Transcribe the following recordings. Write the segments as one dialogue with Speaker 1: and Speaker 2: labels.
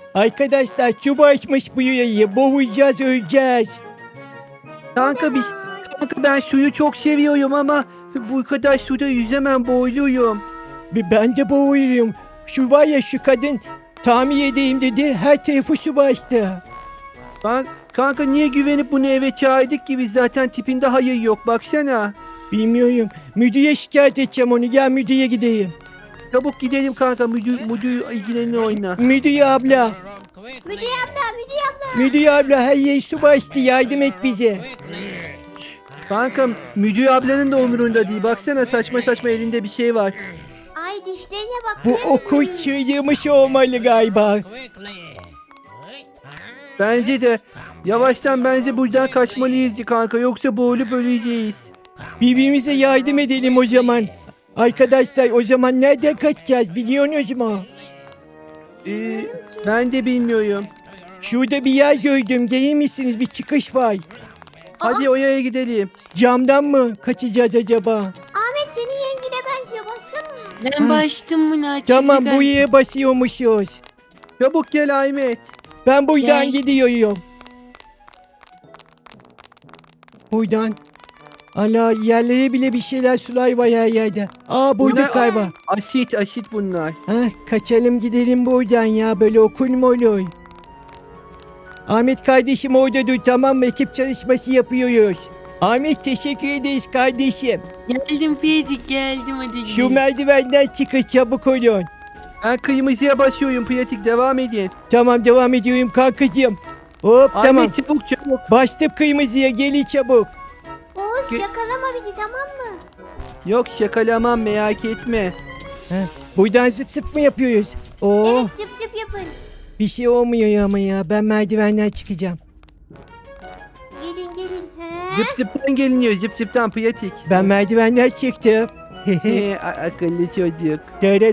Speaker 1: Arkadaşlar su basmış bu yayı. Boğulacağız, öleceğiz.
Speaker 2: Kanka ben suyu çok seviyorum ama bu kadar suda yüzemem, boğuluyorum.
Speaker 1: Ben de boğuluyorum. Şu var ya, şu kadın tamir edeyim dedi. Her tarafı su bastı.
Speaker 2: Kanka niye güvenip bunu eve çağırdık ki, biz zaten tipinde hayır yok, baksana.
Speaker 1: Bilmiyorum. Müdüre şikayet edeceğim onu. Gel müdüre gideyim.
Speaker 2: Çabuk gidelim kanka, müdür ilgilenini oyna.
Speaker 1: Müdüre abla.
Speaker 3: Müdür abla.
Speaker 1: Müdüre abla, her yer su bastı. Yardım et bize.
Speaker 2: Kankam müdür ablanın da umurunda değil, baksana saçma saçma elinde bir şey var.
Speaker 3: Ay dişlerine bak.
Speaker 1: Bu okul çığırmış olmalı galiba.
Speaker 2: Bence de yavaştan buradan kaçmalıyız kanka, yoksa boğulup öleceğiz.
Speaker 1: Birbirimize yardım edelim o zaman. Arkadaşlar, o zaman nereden kaçacağız biliyorsunuz mu?
Speaker 2: Ben de bilmiyorum.
Speaker 1: Şurada bir yer gördüm. Gelir misiniz? Bir çıkış var.
Speaker 2: Hadi oraya gidelim.
Speaker 1: Camdan mı kaçacağız acaba?
Speaker 3: Ahmet senin yengine benziyor. Baksana.
Speaker 4: Ben başladım buna.
Speaker 1: Tamam, buraya basıyormuşuz.
Speaker 2: Çabuk gel Ahmet.
Speaker 1: Ben buradan
Speaker 4: Gel.
Speaker 1: gidiyorum. Buradan. Ana, yerlere bile bir şeyler, sular var her yerde. Aa, bulduk
Speaker 2: Bunlar-
Speaker 1: galiba.
Speaker 2: Asit bunlar.
Speaker 1: Kaçalım gidelim buradan ya. Böyle okul mu olur? Ahmet kardeşim orada dur, tamam mı? Ekip çalışması yapıyoruz. Ahmet, teşekkür ederiz kardeşim.
Speaker 4: Geldim Pratik, geldim hadi
Speaker 1: Şu
Speaker 4: gidelim.
Speaker 1: merdivenden çıkış, çabuk olun.
Speaker 2: Ben kırmızıya basıyorum, pratik devam edin.
Speaker 1: Tamam, devam ediyorum kankacığım. Hop, tamam.
Speaker 2: Ahmet çabuk.
Speaker 1: Bastım kırmızıya, gelin çabuk.
Speaker 3: Oğuz
Speaker 2: Ge-
Speaker 3: yakalama bizi, tamam mı?
Speaker 2: Yok şakalamam, merak etme.
Speaker 1: Buradan zıp zıp mı yapıyoruz? Oo,
Speaker 3: Evet, zıp zıp yapın.
Speaker 1: bir şey olmuyor ama ya. Ben merdivenden çıkacağım.
Speaker 3: Gelin.
Speaker 2: Zıp zıptan geliniyor, zıp zıptan pratik.
Speaker 1: Ben merdivenden çıktım.
Speaker 2: Akıllı çocuk.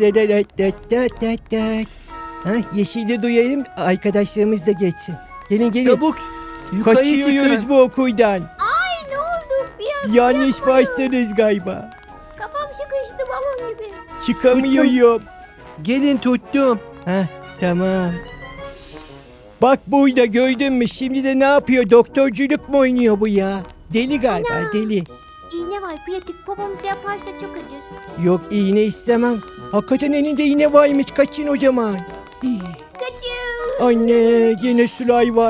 Speaker 1: Yeşili duyayım, arkadaşlarımız da geçsin. Gelin.
Speaker 2: Çabuk. Yukarı
Speaker 1: Kaçıyoruz
Speaker 2: çıkın.
Speaker 1: bu okuldan.
Speaker 3: Ay ne oldu? Bir an
Speaker 1: Yanlış başladınız galiba.
Speaker 3: kafam sıkıştı balon gibi.
Speaker 1: Çıkamıyorum.
Speaker 2: Gelin tuttum.
Speaker 1: Tamam. Bak burada, gördün mü? Şimdi de ne yapıyor? Doktorculuk mu oynuyor bu ya? Deli galiba, deli.
Speaker 3: İğne var pratik, popomuzda yaparsa çok acır.
Speaker 1: Yok, iğne istemem. Hakikaten elinde iğne varmış. Kaçın o zaman. Hii.
Speaker 3: Kaçın.
Speaker 1: Anne, yine sular var.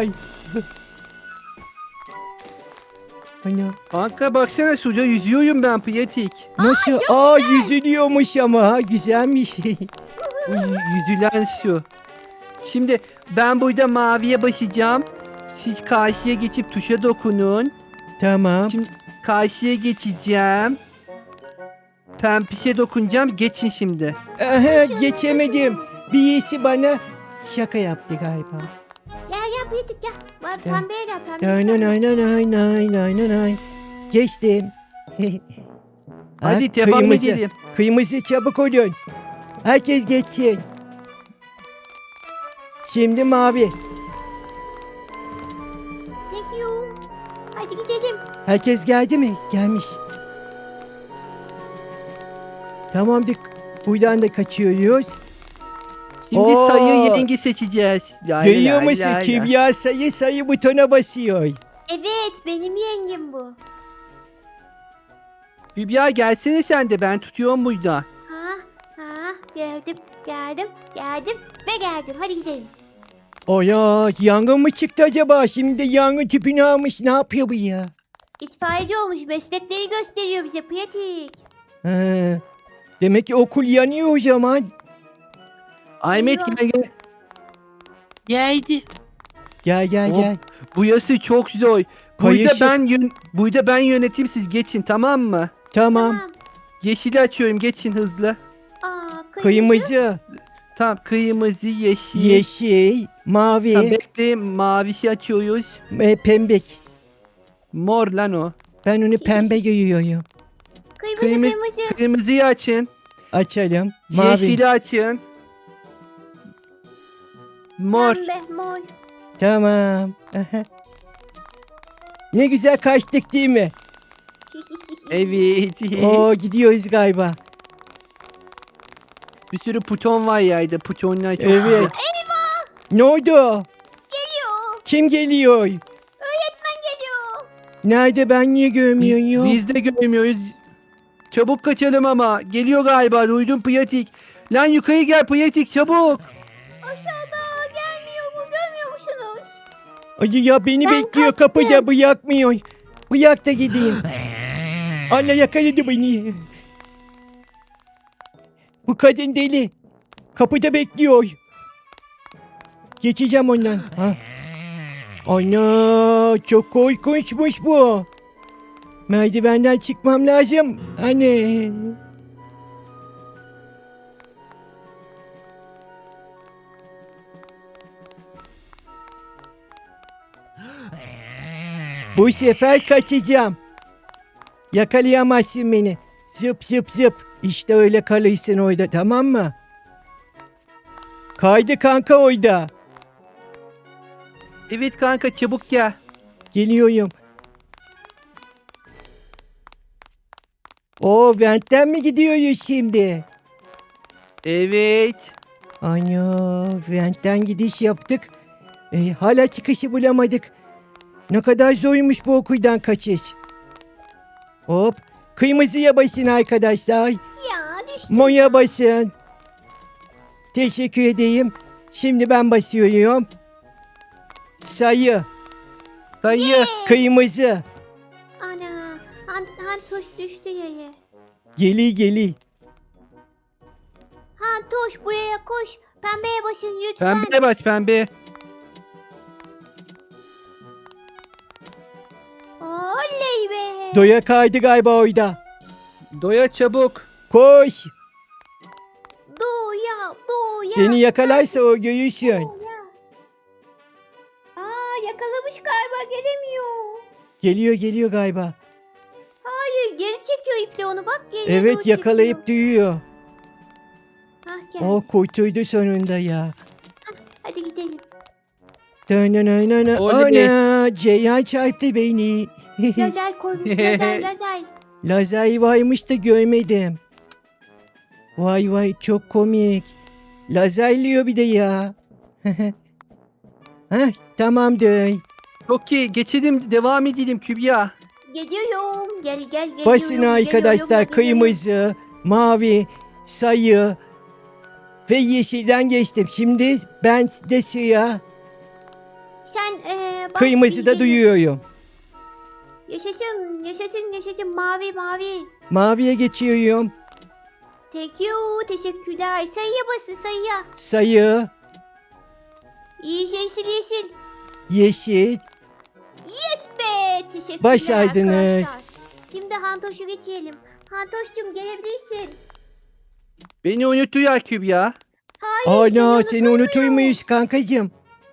Speaker 1: Ana.
Speaker 2: Kanka baksana, suda yüzüyorum ben pratik.
Speaker 1: Nasıl? Yüzülüyormuş ama. Güzelmiş.
Speaker 2: Yüzülen su. Şimdi ben burada maviye basacağım. Siz karşıya geçip tuşa dokunun.
Speaker 1: Tamam.
Speaker 2: Şimdi karşıya geçeceğim. Pempişe dokunacağım. Geçin şimdi.
Speaker 1: Aha, geçemedim. Birisi bana şaka yaptı galiba.
Speaker 3: Gel pratik gel. Bak
Speaker 1: Gel.
Speaker 3: pembeye gel, pembeye.
Speaker 1: Nay. Geçtim.
Speaker 2: Hadi devam
Speaker 1: kırmızı.
Speaker 2: edelim.
Speaker 1: Kırmızı, çabuk olun. Herkes geçsin. Şimdi mavi.
Speaker 3: Thank you. Hadi gidelim.
Speaker 1: Herkes geldi mi? Gelmiş. Tamamdır. Buradan da kaçıyoruz.
Speaker 2: Şimdi
Speaker 1: Oo.
Speaker 2: sayı rengi seçeceğiz. La la
Speaker 1: Görüyor
Speaker 2: la
Speaker 1: musun?
Speaker 2: la la.
Speaker 1: Kübra sayı butona basıyor.
Speaker 3: Evet, benim yengem bu.
Speaker 2: Hülya gelsene sen de, ben tutuyorum burada.
Speaker 3: Geldim ve geldim. Hadi gidelim.
Speaker 1: O ya, yangın mı çıktı acaba? Şimdi de yangın tüpünü almış. Ne yapıyor bu ya?
Speaker 3: İtfaiyeci olmuş, meslekleri gösteriyor bize pratik.
Speaker 1: Ha, demek ki okul yanıyor o zaman.
Speaker 2: Ahmet gel.
Speaker 4: Geldi.
Speaker 1: Gel.
Speaker 2: Hop. Bu yası çok zor.
Speaker 1: Kayışı-
Speaker 2: Burada ben yöneteyim, siz geçin, tamam mı?
Speaker 1: Tamam.
Speaker 2: Yeşili açıyorum, geçin hızlı.
Speaker 1: Kırmızı,
Speaker 2: Tamam, kırmızı, yeşil.
Speaker 1: yeşil, mavi,
Speaker 2: Tamam, bekleyin, mavisi açıyoruz.
Speaker 1: pembek.
Speaker 2: Mor lan o.
Speaker 1: Ben onu pembe görüyorum.
Speaker 3: Kırmızı.
Speaker 2: Kırmızıyı açın.
Speaker 1: Açalım. Mavi.
Speaker 2: Yeşili açın. Mor.
Speaker 3: Pembe, mor.
Speaker 1: Tamam. Aha. Ne güzel kaçtık değil mi?
Speaker 2: Evet.
Speaker 1: Oo, gidiyoruz galiba.
Speaker 2: Bir sürü buton var yayda. Butonlar çok
Speaker 1: Evet.
Speaker 2: güzel.
Speaker 1: Ne oldu?
Speaker 3: Geliyor.
Speaker 1: Kim geliyor?
Speaker 3: Öğretmen geliyor.
Speaker 1: Nerede, ben niye görmüyorum?
Speaker 2: Biz de görmüyoruz. Çabuk kaçalım ama. Geliyor galiba. Duydum Pratik. Lan yukarı gel Pratik çabuk.
Speaker 3: Aşağıda gelmiyor mu? Görmüyor musunuz?
Speaker 1: Ay ya, beni
Speaker 3: Ben
Speaker 1: bekliyor
Speaker 3: kaçtım.
Speaker 1: kapıda, bırakmıyor. Bırak da gideyim. Allah yakaladı beni. Bu kadın deli. Kapıda bekliyor. Geçeceğim ondan. Ha. Ana, çok korkunçmuş bu. Merdivenden çıkmam lazım. Anne. Bu sefer kaçacağım. Yakalayamazsın beni. Zıp zıp zıp. İşte öyle kalırsın orada, tamam mı? Kaydı kanka orada.
Speaker 2: Evet kanka çabuk gel.
Speaker 1: Geliyorum. O ventten mi gidiyoruz şimdi?
Speaker 2: Evet.
Speaker 1: Ana, ventten gidiş yaptık. Hala çıkışı bulamadık. Ne kadar zormuş bu okuldan kaçış. Hop. Kırmızıya basın arkadaşlar.
Speaker 3: Ya düştüm.
Speaker 1: Moya basın. Teşekkür edeyim. Şimdi ben basıyorum. Sayı.
Speaker 2: Sayı.
Speaker 1: Kırmızı.
Speaker 3: Ana. Hantoş düştü yere.
Speaker 1: Geli.
Speaker 3: Hantoş buraya koş. Pembeye basın lütfen.
Speaker 2: Pembe baş pembe.
Speaker 3: Oley be.
Speaker 1: Doya kaydı galiba orada.
Speaker 2: Doya çabuk.
Speaker 1: Koş.
Speaker 3: Doğuya.
Speaker 1: Seni yakalarsa o görürsün.
Speaker 3: Doğuya. Yakalamış galiba gelemiyor.
Speaker 1: Geliyor galiba.
Speaker 3: Hayır geri çekiyor iple onu bak. Geriye
Speaker 1: Evet,
Speaker 3: doğru
Speaker 1: yakalayıp
Speaker 3: çekiyor.
Speaker 1: duyuyor.
Speaker 3: Gel.
Speaker 1: O kurtuldu sonunda ya.
Speaker 3: Hadi gidelim.
Speaker 2: Oley.
Speaker 1: Ana, Ceyhan çarptı beni.
Speaker 3: Lazer koymuş lazer.
Speaker 1: Lazer varmış da görmedim. Vay çok komik. Lazerliyor bir de ya. Heh, tamamdır.
Speaker 2: Çok iyi. Geçelim devam edelim Kübra.
Speaker 3: Geliyorum. Gel.
Speaker 1: Basın arkadaşlar, kırmızı, mavi, sayı ve yeşilden geçtim. Şimdi ben de siyah,
Speaker 3: Sen bas
Speaker 1: kırmızıda
Speaker 3: gidelim.
Speaker 1: duyuyorum.
Speaker 3: Yaşasın. Mavi.
Speaker 1: Maviye geçiyorum.
Speaker 3: Thank you. Teşekkürler. Sayıya basın sayıya.
Speaker 1: Sayı,
Speaker 3: Yeşil.
Speaker 1: yeşil.
Speaker 3: Be teşekkürler
Speaker 1: Başardınız.
Speaker 3: arkadaşlar. Şimdi Hantoş'u geçelim. Hantoş'cum gelebilirsin.
Speaker 2: Beni unutuyor Kübra.
Speaker 3: Hayır
Speaker 1: Ana,
Speaker 3: seni
Speaker 1: seni unutur muyuz kankacığım?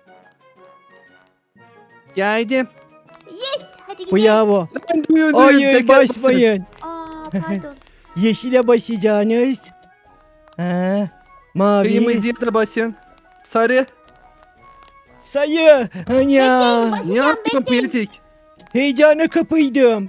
Speaker 2: Geldim.
Speaker 3: Yes hadi gidelim.
Speaker 1: Bravo.
Speaker 2: Ben duyuyorum.
Speaker 1: Hayır,
Speaker 2: tekrar basın.
Speaker 1: basmayın.
Speaker 3: Pardon.
Speaker 1: Yeşile basacağınız. Ha, mavi.
Speaker 2: Kırmızıya da basın. Sarı.
Speaker 1: Sayı.
Speaker 3: Bekleyin,
Speaker 1: Anya.
Speaker 3: basın.
Speaker 2: Ne yaptın
Speaker 3: bekleyin.
Speaker 2: Pratik?
Speaker 1: Heyecana kapıydım.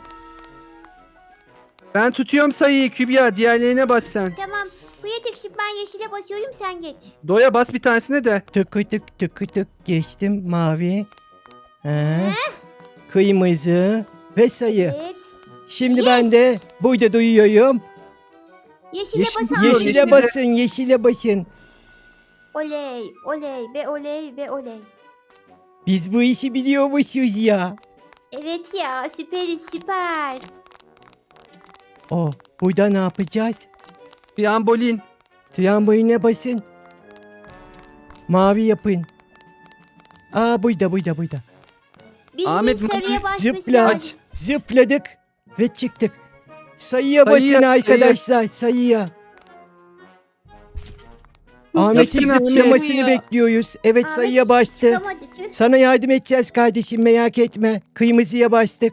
Speaker 2: Ben tutuyorum sayıyı Kübra. Diğerlerine bas sen.
Speaker 3: Tamam. Bu yetek şimdi ben yeşile basıyorum sen geç.
Speaker 2: Doya bas bir tanesine de.
Speaker 1: Tıkı tık geçtim, mavi. Ha. Kırmızı ve sayı.
Speaker 3: Evet.
Speaker 1: Şimdi ben de burada duyuyorum.
Speaker 3: Yeşile
Speaker 2: Yeşil
Speaker 3: basan.
Speaker 2: diyor,
Speaker 1: Yeşile
Speaker 2: yeşile.
Speaker 1: basın, yeşile basın.
Speaker 3: Oley oley.
Speaker 1: Biz bu işi biliyormuşuz ya.
Speaker 3: Evet ya süperiz süper.
Speaker 1: Burada ne yapacağız?
Speaker 2: Trambolin.
Speaker 1: Tramboline basın. Mavi yapın. Burada.
Speaker 3: Birinin
Speaker 2: Ahmet,
Speaker 3: sarıya basması
Speaker 1: Zıpla.
Speaker 3: lazım.
Speaker 1: Zıpladık ve çıktık. Sayıya basın
Speaker 2: Sayıya,
Speaker 1: arkadaşlar, sayıya. Ahmet'in
Speaker 2: Yapsın Ahmet.
Speaker 1: zıplamasını bekliyoruz. Evet,
Speaker 3: Ahmet
Speaker 1: sayıya bastı.
Speaker 3: çıkamadı, tüh.
Speaker 1: Sana yardım edeceğiz kardeşim, merak etme. Kırmızıya bastık.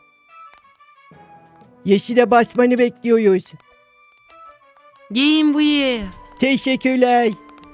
Speaker 1: Yeşile basmanı bekliyoruz.
Speaker 4: Gelin buraya.
Speaker 1: Teşekkürler.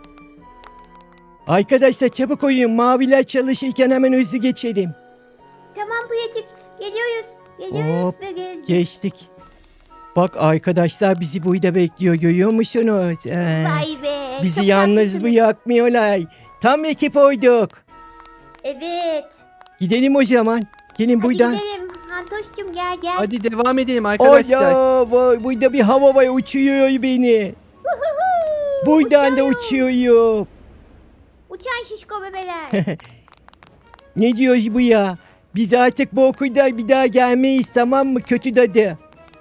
Speaker 1: Arkadaşlar çabuk oyun. Maviler çalışırken hemen hızlı geçelim.
Speaker 3: Tamam bu yetik. Geliyoruz.
Speaker 1: Hop,
Speaker 3: Ve geldik.
Speaker 1: Geçtik. Bak arkadaşlar, bizi burada bekliyor, görüyor musunuz?
Speaker 3: Vay be.
Speaker 1: Bizi
Speaker 3: çok
Speaker 1: yalnız
Speaker 3: haklısınız.
Speaker 1: bırakmıyorlar. Tam ekip oyduk.
Speaker 3: Evet.
Speaker 1: Gidelim o zaman. Gelin
Speaker 3: Hadi
Speaker 1: buradan.
Speaker 3: gidelim. Hantoş'cum gel gel.
Speaker 2: Hadi devam edelim arkadaşlar.
Speaker 1: Ola vay, burada bir hava var uçuyor beni. Buradan da uçuyorum.
Speaker 3: Uçan şişko bebeler.
Speaker 1: Ne diyoruz bu ya? Biz artık bu okulda bir daha gelmeyiz, tamam mı? Kötü dadı.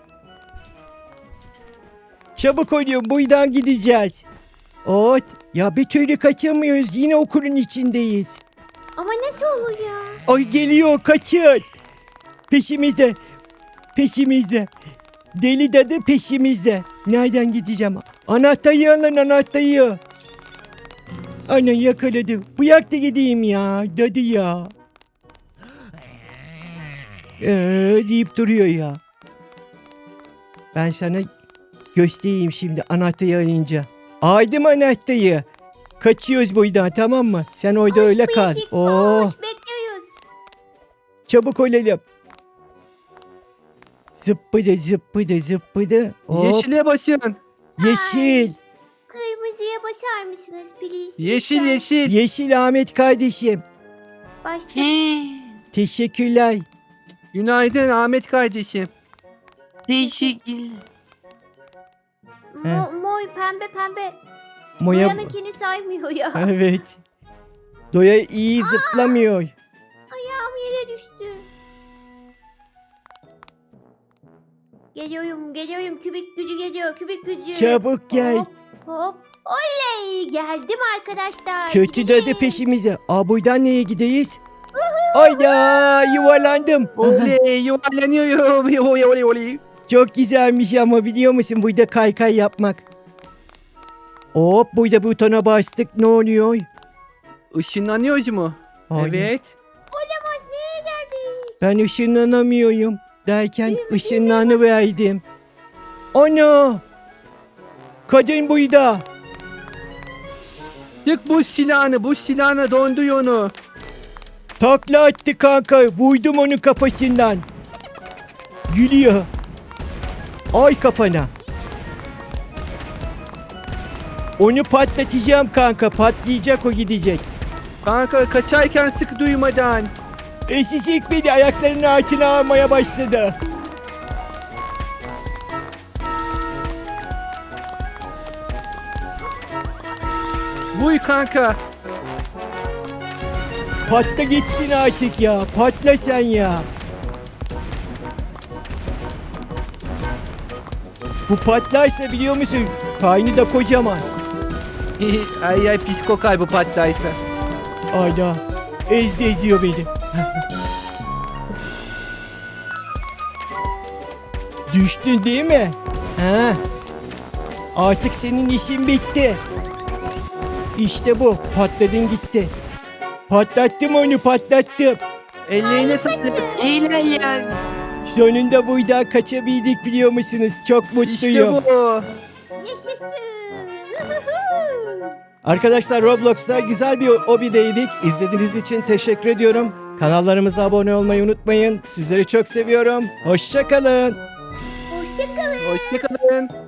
Speaker 1: Çabuk oluyor, buradan gideceğiz. Ot ya, bir türlü kaçamıyoruz, yine okulun içindeyiz.
Speaker 3: Ama nasıl olur ya?
Speaker 1: Ay geliyor, kaçın. Peşimizde. Peşimizde. Deli dadı peşimizde. Nereden gideceğim? Anahtarı alın, anahtarı. Ana yakaladım. Bırak da gideyim ya. Dadı ya. Deyip duruyor ya. Ben sana göstereyim şimdi anahtarı alınca. Aldım anahtarı. Kaçıyoruz buradan, tamam mı? Sen orada
Speaker 3: Koş
Speaker 1: öyle kal.
Speaker 3: Pratik,
Speaker 1: Oo,
Speaker 3: koş. Bekliyoruz.
Speaker 1: çabuk olalım. Zıppıdı zıppıdı zıppıdı. Hop,
Speaker 2: Yeşile basın.
Speaker 1: yeşil.
Speaker 3: Kırmızıya basar mısınız please?
Speaker 2: Yeşil
Speaker 3: Lütfen.
Speaker 2: yeşil.
Speaker 1: Yeşil Ahmet kardeşim.
Speaker 3: Başla.
Speaker 4: He.
Speaker 1: Teşekkürler.
Speaker 2: Günaydın Ahmet kardeşim.
Speaker 4: Teşekkürler.
Speaker 3: Mor pembe pembe.
Speaker 1: Moya...
Speaker 3: Boyanınkini saymıyor ya.
Speaker 1: Evet. Doya iyi zıplamıyor.
Speaker 3: Ayağım yere düştü. Geliyorum geliyorum. Kübik gücü geliyor. Kübik gücü.
Speaker 1: Çabuk gel.
Speaker 3: Hop hop. Oley. Geldim arkadaşlar.
Speaker 1: Kötü
Speaker 3: Gidelim.
Speaker 1: dadı peşimize. Aa, buradan neye gideyiz? Ayda yuvarlandım.
Speaker 2: Oley yuvarlanıyorum. Oley oley oley.
Speaker 1: Çok güzelmiş ama, biliyor musun burada kaykay yapmak. Hop, burada butona bastık, ne oluyor?
Speaker 2: Işınlanıyoruz mu?
Speaker 1: Hayır.
Speaker 2: Evet.
Speaker 3: Olamaz. Nereye geldik?
Speaker 1: Ben ışınlanamıyorum derken ışınlanıverdim. Ana! Kadın burada.
Speaker 2: Çık bu silahını donduy onu.
Speaker 1: Takla attı kanka. Vurdum onun kafasından. Gülüyor. Ay kafana. Onu patlatacağım kanka. Patlayacak, o gidecek.
Speaker 2: Kanka kaçarken sık duymadan.
Speaker 1: Eşicik beni ayaklarının altına almaya başladı.
Speaker 2: Vuy kanka.
Speaker 1: Patla gitsin artık ya. Patla sen ya. Bu patlarsa, biliyor musun? Karnı da kocaman.
Speaker 2: Ay ay pis kokar bu patlaysa.
Speaker 1: Ayda. Eziyor beni. Düştün değil mi? Ha. Artık senin işin bitti. İşte bu. Patladın gitti. Patlattım onu, patlattım.
Speaker 2: Ellerine sağlık.
Speaker 4: Helal ya.
Speaker 1: Sonunda buradan kaçabildik, biliyor musunuz? Çok
Speaker 2: İşte
Speaker 1: mutluyum.
Speaker 2: bu.
Speaker 3: Yaşasın.
Speaker 1: Arkadaşlar, Roblox'ta güzel bir hobideydik. İzlediğiniz için teşekkür ediyorum. Kanallarımıza abone olmayı unutmayın. Sizleri çok seviyorum. Hoşça kalın.
Speaker 3: Hoşçakalın.
Speaker 2: Hoşçakalın.